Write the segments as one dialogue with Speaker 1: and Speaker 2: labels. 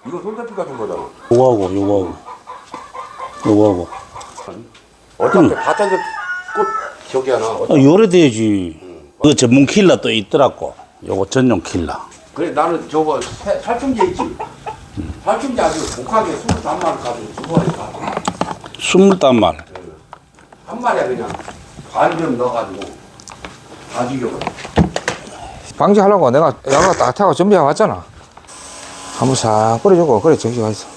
Speaker 1: 이거 손잡이 같은 거잖아.
Speaker 2: 요거하고.
Speaker 1: 어차피 바닥에 꽃 저기 하나.
Speaker 2: 요래 돼야지. 그 전문 킬러 또 있더라고. 요거 전용 킬러.
Speaker 1: 그래 나는 저거 살충제 있지. 살충제 아주 독하게 23마리 가지고 두 번에 가.
Speaker 2: 20단말.
Speaker 1: 한 마리야 그냥 반점 넣어가지고 다 죽여버려.
Speaker 3: 방지하려고 내가 야가 따뜻하고 준비해 왔잖아. 한번 싹 뿌려주고 그래 정지가 있어.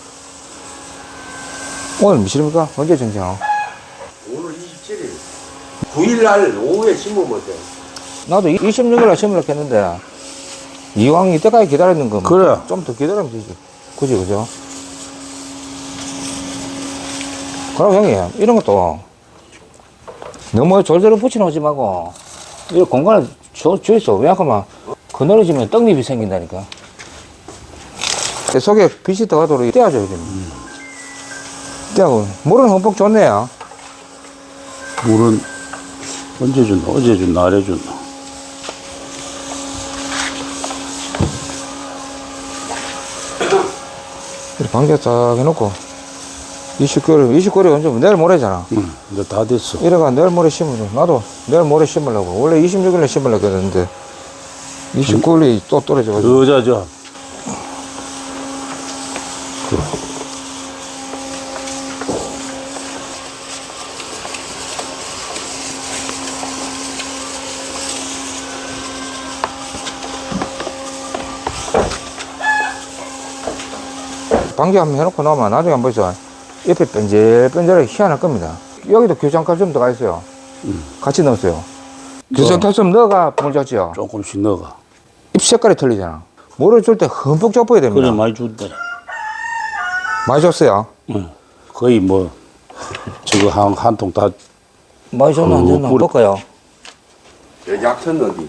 Speaker 3: 오늘 며칠입니까? 언제 정지하노?
Speaker 1: 오늘 27일. 9일날 오후에 심으면 돼.
Speaker 3: 나도 26일날 심으려고 했는데 이왕 이때까지 기다렸는 거
Speaker 2: 그래.
Speaker 3: 좀 더 기다리면 되지. 그지 그죠? 그럼 형님 이런 것도 너무 졸졸 붙여놓지 말고 이 공간을 주있어. 왜냐하면 그늘어지면 떡잎이 생긴다니까. 속에 빛이 들어가도록 떼어줘야 됩니다. 떼고 물은 흠뻑 좋네요.
Speaker 2: 물은 언제 줬나? 어제 줬나? 아래 줬나?
Speaker 3: 이렇게 방제 딱 해놓고 29일 언제 내일 모레잖아.
Speaker 2: 응, 이제 다 됐어.
Speaker 3: 이래가 내일 모레 심으려. 나도 내일 모레 심으려고. 원래 26일에 심으려고 했는데 29일이 또 떨어져가지고.
Speaker 2: 여자죠.
Speaker 3: 방지 한번 해놓고 나면 나중에 한번 보세요. 옆에 뺀질뺀질하게 희한할 겁니다. 여기도 규정칼슘 들어가 있어요. 같이 넣었어요. 규정칼슘 넣어가 물 줬지요.
Speaker 2: 조금씩 넣어가.
Speaker 3: 잎 색깔이 틀리잖아. 물을 줄 때 흠뻑 줘버야 됩니다.
Speaker 2: 그래, 많이 준대.
Speaker 3: 많이 줬어요.
Speaker 2: 응. 거의 뭐, 저거 한 통 다.
Speaker 3: 많이 줬나 안 줬나
Speaker 2: 뿌리-
Speaker 3: 볼까요?
Speaker 1: 약천 어디?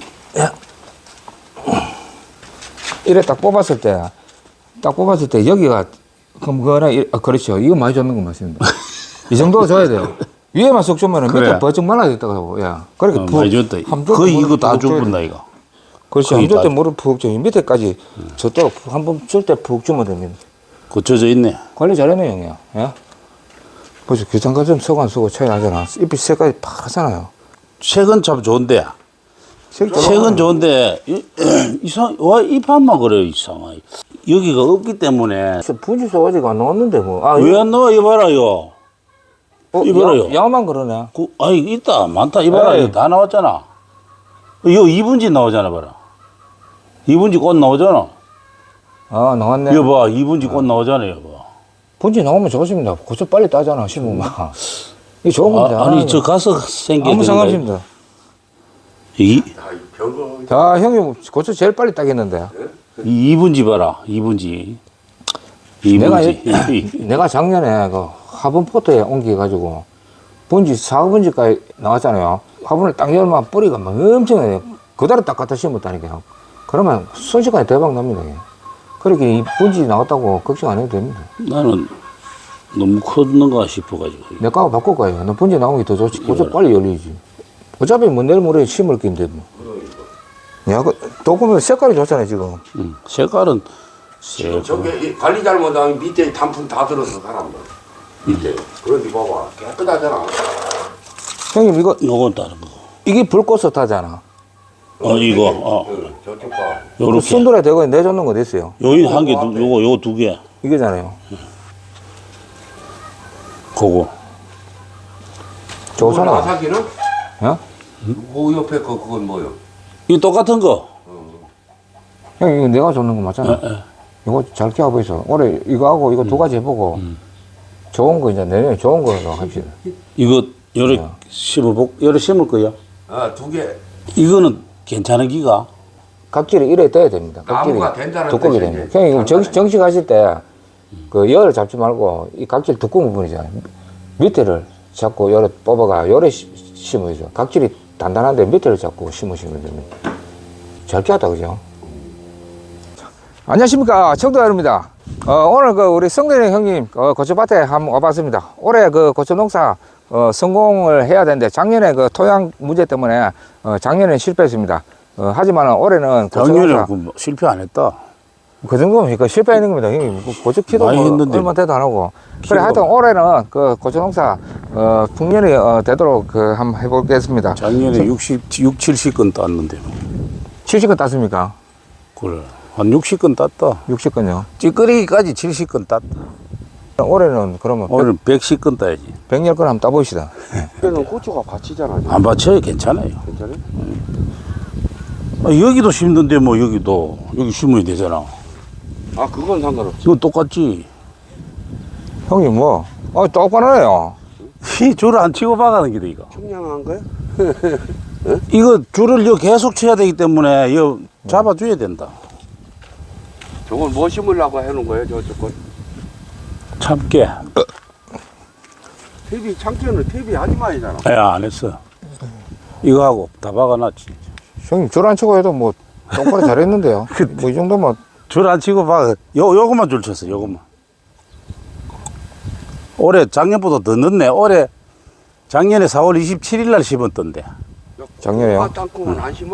Speaker 3: 이래 딱 뽑았을 때 여기가 그렇죠. 이거 많이 줬는 거 맞습니다. 이 정도 줘야 돼요. 위에만 쏙 주면
Speaker 2: 그래.
Speaker 3: 밑에 버쩍 말라졌다고. 야, 그렇게
Speaker 2: 많이 줬다. 거의 이거 다 줬다, 이거.
Speaker 3: 그렇지.
Speaker 2: 거의
Speaker 3: 한줄때
Speaker 2: 다
Speaker 3: 물을 푹 줘. 밑에까지 저도록 한번 줄 때 푹 주면 됩니다.
Speaker 2: 고쳐져 있네.
Speaker 3: 관리 잘했네, 형이야. 예? 벌써 규탄칼슘 쓰고 안 쓰고 차이 나잖아. 잎이 색깔이 파랗잖아요.
Speaker 2: 색은 참 좋은데.
Speaker 3: 색
Speaker 2: 색은 좋은데, 잎한만 그래, 이상하게. 여기가 없기 때문에.
Speaker 3: 분지 소가지가 안 나왔는데, 뭐. 아,
Speaker 2: 왜 안 나와, 이봐라요. 이봐라요.
Speaker 3: 양만 그러네.
Speaker 2: 아이, 있다. 많다. 이봐라요.
Speaker 3: 에이.
Speaker 2: 다 나왔잖아. 이거 2분지 나오잖아, 봐라. 2분지 꽃 나오잖아.
Speaker 3: 아, 나왔네.
Speaker 2: 이거 봐, 2분지 꽃 나오잖아, 이거 봐.
Speaker 3: 분지 나오면 좋습니다. 고추 빨리 따잖아, 심으면. 이게 좋은 겁니다.
Speaker 2: 아니, 저 가서 생겨.
Speaker 3: 아무 상관없습니다.
Speaker 2: 이
Speaker 1: 별거.
Speaker 3: 자, 형님, 고추 제일 빨리 따겠는데.
Speaker 2: 2분지 봐라, 2분지.
Speaker 3: 내가,
Speaker 2: 2분지.
Speaker 3: 내가 작년에 그 화분 포트에 옮겨가지고 분지 4분지까지 나왔잖아요. 화분을 딱 열면 뿌리가 막 엄청나요. 그대로 딱 갖다 심었다니까요. 그러면 순식간에 대박 납니다. 이게. 그렇게 이 분지 나왔다고 걱정 안 해도 됩니다.
Speaker 2: 나는 너무 컸는가 싶어가지고.
Speaker 3: 내 거하고 바꿀 거예요. 너 분지 나오는 게 더 좋지. 고추 빨리 열리지. 어차피 뭐 내일 모레 심을 건데 뭐. 야, 그 도구면 색깔이 좋잖아요, 지금.
Speaker 2: 색깔은
Speaker 1: 저게 관리 잘못하면 밑에 단풍 다 들어서 사람들. 밑에. 그런데 봐봐 깨끗하잖아.
Speaker 3: 형님,
Speaker 2: 요건 다른 거.
Speaker 3: 이게 불꽃을 타잖아.
Speaker 2: 이거,
Speaker 1: 응, 저쪽 봐.
Speaker 2: 요렇게.
Speaker 3: 순돌에 대고 내줬는 거 됐어요.
Speaker 2: 여기 한 개, 요거 2개.
Speaker 3: 이거잖아요.
Speaker 2: 그거.
Speaker 3: 좋잖아.
Speaker 1: 아사기는?
Speaker 3: 어?
Speaker 1: 그 옆에 그건 뭐요?
Speaker 2: 이 똑같은 거.
Speaker 3: 형, 이거 내가 줬는 거 맞잖아. 이거 잘 키워보이소. 올해 이거 하고 이거 두 가지 해보고 좋은 거 이제 내년에 좋은 거로 합시다.
Speaker 2: 이거 요래
Speaker 3: 네.
Speaker 2: 요래 심을 거야.
Speaker 1: 아, 두 개.
Speaker 2: 이거는 괜찮은 기가.
Speaker 3: 각질이 이래 떠야 됩니다.
Speaker 1: 나무가 된다는
Speaker 3: 두껍게
Speaker 1: 뜻이지.
Speaker 3: 됩니다. 형님, 이거 정식하실 때 그 열을 잡지 말고 이 각질 두꺼운 부분이잖아요. 밑에를 잡고 열을 뽑아가 열에 심으죠. 각질이 단단한데 밑에를 잡고 심으시면 됩니다. 잘 키웠다, 그죠? 안녕하십니까, 청도 여러분입니다. 오늘 그 우리 성대령 형님 고추밭에 한번 와봤습니다. 올해 그 고추 농사 성공을 해야 되는데 작년에 그 토양 문제 때문에 작년에 실패했습니다. 하지만 올해는 고추
Speaker 2: 작년에
Speaker 3: 농사
Speaker 2: 실패 안 했다.
Speaker 3: 그 정도면 그러니까 실패하는 겁니다. 형님. 고추 키도
Speaker 2: 많이
Speaker 3: 뭐
Speaker 2: 했는데.
Speaker 3: 얼마 돼도 안 하고. 그래,
Speaker 2: 키로가
Speaker 3: 하여튼 올해는 그 고추 농사, 풍년이 되도록 한번 해보겠습니다.
Speaker 2: 작년에 70건 땄는데.
Speaker 3: 70건 땄습니까?
Speaker 2: 그래. 한 60건 땄다.
Speaker 3: 60건요.
Speaker 2: 찌끄리기까지 70건 땄다.
Speaker 3: 올해는 그러면
Speaker 2: 오늘 110건 따야지.
Speaker 3: 100열 건 한번 따봅시다.
Speaker 1: 그때는 고추가 받치잖아.
Speaker 2: 안 받쳐요. 괜찮아요.
Speaker 1: 괜찮아요?
Speaker 2: 여기도 심는데 뭐 여기도. 여기 심어야 되잖아.
Speaker 1: 아, 그건 상관없어.
Speaker 2: 이건 똑같지.
Speaker 3: 형님 뭐, 똑바로네요.
Speaker 2: 이 줄을 안 치고 박아는 게다 이거.
Speaker 1: 청량한 거야?
Speaker 2: 이거 줄을 여 계속 쳐야 되기 때문에 여 잡아줘야 된다.
Speaker 1: 저걸 뭐 심으려고 해놓은 거예요, 저쪽 건?
Speaker 2: 참깨.
Speaker 1: 퇴비, 창태는 퇴비 하지마이잖아.
Speaker 2: 야, 안 했어. 이거 하고 다 박아놨지.
Speaker 3: 형님 줄 안 치고 해도 뭐 똑바로 잘했는데요. 뭐 이 정도면
Speaker 2: 줄 안 치고 박아. 요것만 줄 쳤어, 요것만. 올해 작년보다 더 늦네. 올해 작년에 4월 27일 날 심었던데.
Speaker 3: 작년에요?
Speaker 1: 땅콩은 안 심어?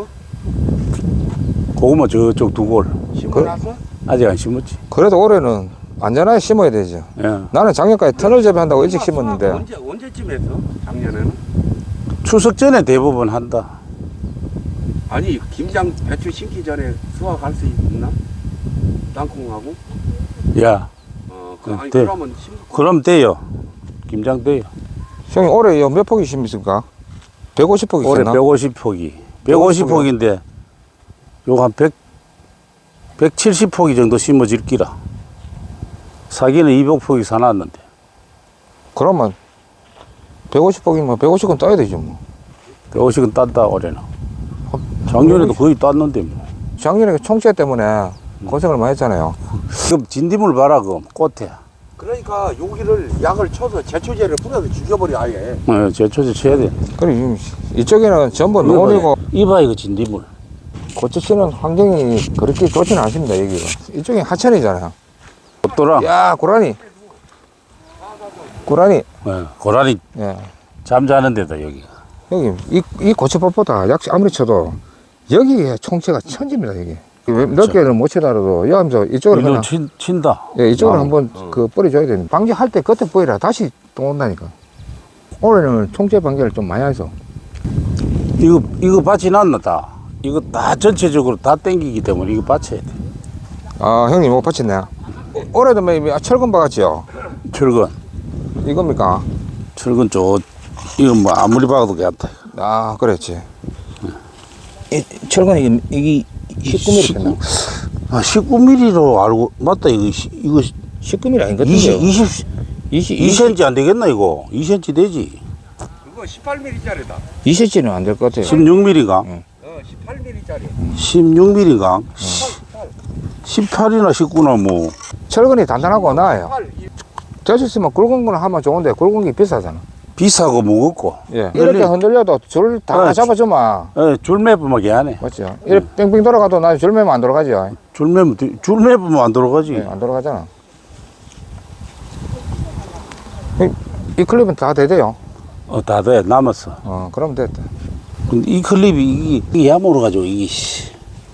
Speaker 2: 고구마 저쪽 두 골.
Speaker 1: 심어놨어?
Speaker 2: 아직 안 심었지.
Speaker 3: 그래도 올해는 안전하게 심어야 되죠.
Speaker 2: 예.
Speaker 3: 나는 작년까지 터널 재배한다고 일찍 심었는데
Speaker 1: 언제쯤 했어? 작년에는?
Speaker 2: 추석 전에 대부분 한다.
Speaker 1: 아니, 김장 배추 심기 전에 수확할 수 있나? 땅콩하고?
Speaker 2: 야,
Speaker 1: 아니,
Speaker 2: 네.
Speaker 1: 그러면
Speaker 2: 그럼 돼요. 김장 돼요.
Speaker 3: 형님 올해 몇 폭이 심습니까? 150폭이
Speaker 2: 올해
Speaker 3: 있었나?
Speaker 2: 150폭이. 150폭인데 요거 한 170폭이 정도 심어질 기라. 사기는 200폭이 사놨는데.
Speaker 3: 그러면 150폭이면 150건 따야 되죠 뭐.
Speaker 2: 150은 땄다 올해는. 작년에도 거의 땄는데 뭐.
Speaker 3: 작년에 총재 때문에 고생을 많이 했잖아요.
Speaker 2: 그럼 진딧물 봐라 그럼 꽃에.
Speaker 1: 그러니까 여기를 약을 쳐서 제초제를 뿌려서 죽여버려 아예.
Speaker 2: 제초제 쳐야 돼.
Speaker 3: 그리고 이쪽에는 전부 논이고
Speaker 2: 이봐 이거 진딧물.
Speaker 3: 고추 치는 환경이 그렇게 좋지는 않습니다 여기가. 이쪽이 하천이잖아요.
Speaker 2: 꽃도라.
Speaker 3: 야 고라니. 고라니.
Speaker 2: 고라니
Speaker 3: 예.
Speaker 2: 잠자는 데다 여기가.
Speaker 3: 여기 이 고추밭보다 약 아무리 쳐도 여기에 총체가 천지입니다 여기. 몇 개를 못 치더라도 여기서 이쪽으로
Speaker 2: 이거
Speaker 3: 그냥
Speaker 2: 친다.
Speaker 3: 예, 이쪽으로 한번 그 뿌려줘야 됩니다. 방지할 때 겉에 뿌리라 다시 또 온다니까. 올해는 총체 방지를 좀 많이 해서.
Speaker 2: 이거 밭이 났나 다. 이거 다 전체적으로 다 땡기기 때문에 이거 받쳐야 돼.
Speaker 3: 아 형님 못 받쳤네. 올해도 뭐 철근 박았지요?
Speaker 2: 철근.
Speaker 3: 이겁니까?
Speaker 2: 철근 이거 뭐 아무리 박아도 괜찮다.
Speaker 3: 아 그랬지. 이 철근 이게 19mm 됐나?
Speaker 2: 아 19mm로 알고 맞다 이거
Speaker 3: 19mm 아닌 것 같은데요?
Speaker 2: 2cm 안 되겠나 이거? 2cm 되지.
Speaker 1: 그거 18mm짜리다.
Speaker 3: 20cm는 안 될 것 같아요.
Speaker 2: 16mm가?
Speaker 1: 18mm짜리.
Speaker 2: 16mm가? 18이나 19나 뭐.
Speaker 3: 철근이 단단하고 나아요. 되셨으면 굵은 거는 하면 좋은데 굵은 게 비싸잖아.
Speaker 2: 비싸고 무겁고.
Speaker 3: 예. 이렇게 흔들려도 줄 다 잡아주면
Speaker 2: 줄 매부면 개하네.
Speaker 3: 맞죠? 이렇게 뺑뺑 돌아가도 나 줄 매면 안 돌아가죠.
Speaker 2: 줄 매부면 안 들어가지.
Speaker 3: 예, 안 돌아가잖아. 이 클립은 다 되대요.
Speaker 2: 다 돼. 남았어.
Speaker 3: 그럼 됐다.
Speaker 2: 근데 이 클립이 이게 야모로 가지고 이게 씨.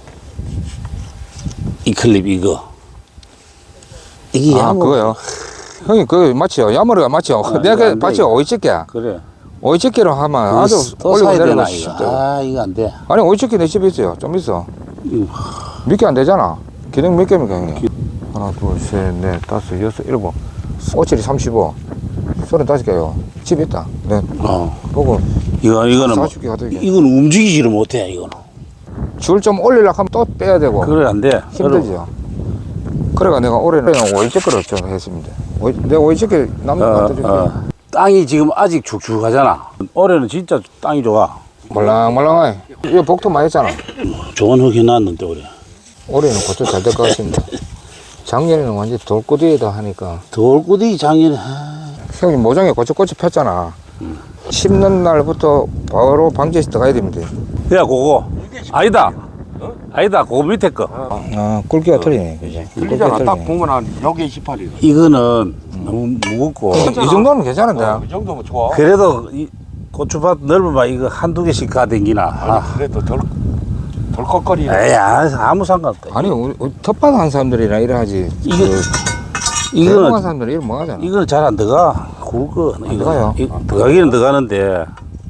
Speaker 2: 이 클립 이거. 이게
Speaker 3: 아,
Speaker 2: 야모.
Speaker 3: 그거요? 형님, 그거 맞죠? 야머리가 맞죠? 내가
Speaker 2: 안 돼,
Speaker 3: 봤죠?
Speaker 2: 이거.
Speaker 3: 오이집게.
Speaker 2: 그래.
Speaker 3: 오이집게로 하면 아주
Speaker 2: 또
Speaker 3: 올리고
Speaker 2: 사야
Speaker 3: 내리고
Speaker 2: 되나
Speaker 3: 쉽죠.
Speaker 2: 이거. 아 이거 안 돼.
Speaker 3: 아니, 오이집게 내 집에 있어요. 좀 있어. 몇 개 안 되잖아. 기능 몇 개입니까, 형님? 하나, 둘, 셋, 넷, 다섯, 여섯, 일곱. 5, 7이 35. 35개요. 집에 있다. 네. 보고.
Speaker 2: 이거는 뭐,
Speaker 3: 40개 가도 이게.
Speaker 2: 이건 움직이지를 못해 이거는.
Speaker 3: 줄 좀 올리려고 하면 또 빼야 되고.
Speaker 2: 그래 안 돼.
Speaker 3: 힘들죠. 그래가 내가 올해는 오이집게를 좀 했습니다. 내가 오이집게 남는 거 갖다 줄게.
Speaker 2: 땅이 지금 아직 축축하잖아. 올해는 진짜 땅이 좋아.
Speaker 3: 말랑말랑하게. 이거 복도 많이 했잖아.
Speaker 2: 좋은 흙 해놨는데 올해.
Speaker 3: 올해는 고추 잘 될 것 같습니다. 작년에는 완전 돌구디에다 하니까.
Speaker 2: 돌구디 작년에.
Speaker 3: 형님 모종에 고추꽃이 폈잖아. 심는 날부터 바로 방지해서 들어가야 됩니다.
Speaker 2: 야 그거 아니다. 아니다 그거 밑에 거.
Speaker 3: 굵기가 틀리네. 그지?
Speaker 1: 틀리잖아. 딱 보면 한 여기 18이다.
Speaker 2: 이거는 너무 무겁고.
Speaker 3: 이 정도는 괜찮은데.
Speaker 1: 이 정도면 좋아.
Speaker 2: 그래도 이 고추밭 넓으면 이거 한두 개씩 가댕기나.
Speaker 1: 그래도 덜. 덜컥거리네.
Speaker 2: 에이, 아무 상관없다.
Speaker 3: 아니 우리 텃밭 한 사람들이랑 이래 하지.
Speaker 2: 이거는
Speaker 3: 대동한 사람들은 이래 뭐 하잖아.
Speaker 2: 이거는 잘 안 들어가. 굵어.
Speaker 3: 안 들어가요?
Speaker 2: 들어가기는 들어가는데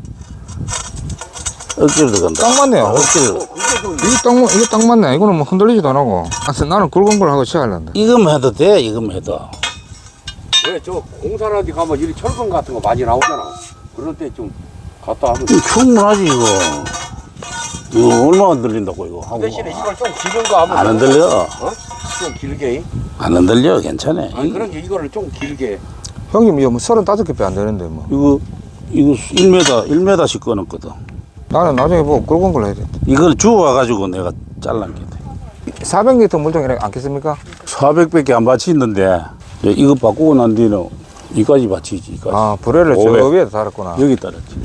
Speaker 2: 억지로 들어간다.
Speaker 3: 딱 맞네요.
Speaker 2: 억지로.
Speaker 3: 이게 딱 맞네. 이거는 뭐 흔들리지도 안 하고. 그래서 나는 굵은 걸 하고 취하려는데.
Speaker 2: 이거만 해도 돼. 이거만 해도.
Speaker 1: 왜 저 공사나 어디 가면 이리 철근 같은 거 많이 나오잖아. 그럴 때 좀 갔다 하면.
Speaker 2: 이거 충분하지 이거. 이거 얼마나 흔들린다고 이거 하고.
Speaker 1: 대신에 이걸 좀 길은 거 하면
Speaker 2: 안 흔들려.
Speaker 1: 어? 좀 길게.
Speaker 2: 안 흔들려. 괜찮아.
Speaker 1: 아니 그런 게 이거를 좀 길게.
Speaker 3: 형님 이거 뭐 35개 배 안 되는데 뭐.
Speaker 2: 이거 1m씩 끊었거든.
Speaker 3: 나는 나중에 보고 굵은 걸 해야 돼.
Speaker 2: 이걸 주워와가지고 내가 잘란 게 돼.
Speaker 3: 400리터 물통 이렇게 안겠습니까?
Speaker 2: 400밖에 안 받치는데 이거 바꾸고 난 뒤는 이까지 받치지. 이까지.
Speaker 3: 아, 불에를 저
Speaker 2: 500.
Speaker 3: 위에 달았구나.
Speaker 2: 여기 따랐지.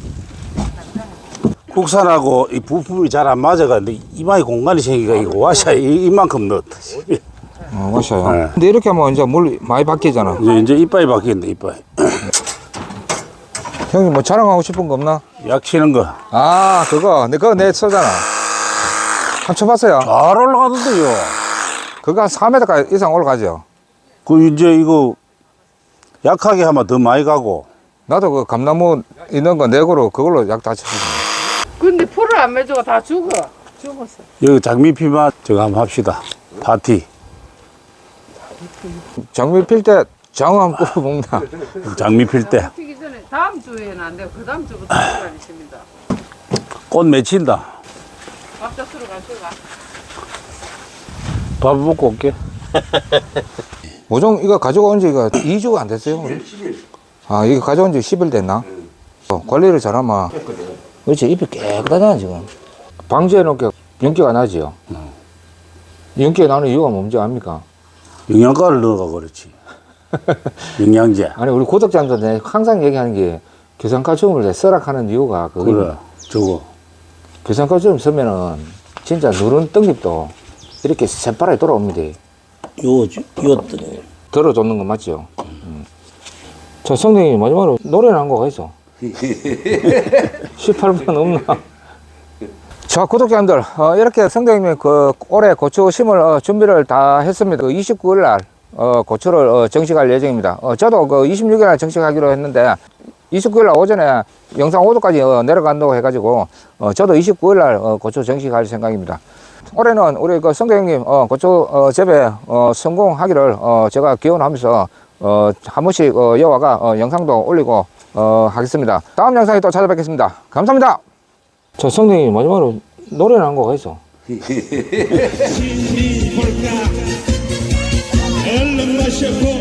Speaker 2: 국산하고 이 부품이 잘 안 맞아가는데 이마에 공간이 생기가 이거 와샤 이만큼 넣었다.
Speaker 3: 맞아요.
Speaker 2: 네.
Speaker 3: 근데 이렇게 하면 이제 물 많이 바뀌잖아.
Speaker 2: 이제 이빨이 바뀌는데 이빨.
Speaker 3: 형님 뭐 자랑하고 싶은 거 없나?
Speaker 2: 약 치는 거.
Speaker 3: 아, 그거 내 써잖아. 한번 쳐봤어요.
Speaker 2: 잘 올라가던데요.
Speaker 3: 그거 한 4m 이상 올라가죠.
Speaker 2: 그 이제 이거 약하게 하면 더 많이 가고.
Speaker 3: 나도 그 감나무 있는 거 내고로 그걸로 약 다 쳤어.
Speaker 4: 근데 풀을 안 매주고 다 죽었어.
Speaker 2: 여기 장미피만 저거 한번 합시다. 파티.
Speaker 3: 장미 필 때 장어 한번 굽어 먹나?
Speaker 2: 장미 필 때.
Speaker 4: 피기 전에 다음 주에는 안 되고 그 다음 주부터 시간 있습니다.
Speaker 2: 꽃 맺힌다.
Speaker 4: 밥 잡수러 가실까?
Speaker 2: 밥 먹고 올게.
Speaker 3: 모종 이거 가져온 지가 2주가 안 됐어요? 우리?
Speaker 1: 10일.
Speaker 3: 아, 이거 가져온 지 10일 됐나? 관리를 잘하면. 그렇지, 잎이 깨끗하잖아, 지금. 방지해 놓게 윤기가 나지요. 윤기가 나는 이유가 뭔지 압니까?
Speaker 2: 영양가를 넣어가 그렇지. 영양제.
Speaker 3: 아니, 우리 구독자님들한테 항상 얘기하는 게 교산칼슘을 썰악하는 이유가 그거.
Speaker 2: 그래. 저거.
Speaker 3: 교산칼슘 쓰면은 진짜 누른 떡잎도 이렇게 새파랗게 돌아옵니다.
Speaker 2: 요것들이.
Speaker 3: 들어줬는 거 맞죠? 자, 성대님 마지막으로 노래는 한 거가 있어. 18분 없나? 자, 구독자님들, 이렇게 성대님이 그 올해 고추 심을 준비를 다 했습니다. 그 29일 날 고추를 정식할 예정입니다. 저도 그 26일 날 정식하기로 했는데 29일 날 오전에 영상 5도까지 내려간다고 해가지고 저도 29일 날 고추 정식할 생각입니다. 올해는 우리 그 성대형님 고추 재배 성공하기를 제가 기원하면서 한 번씩 여와가 영상도 올리고 하겠습니다. 다음 영상에 또 찾아뵙겠습니다. 감사합니다. 저 성대형님 마지막으로 노래는 한 거가 있어.
Speaker 5: 얼른 마셔보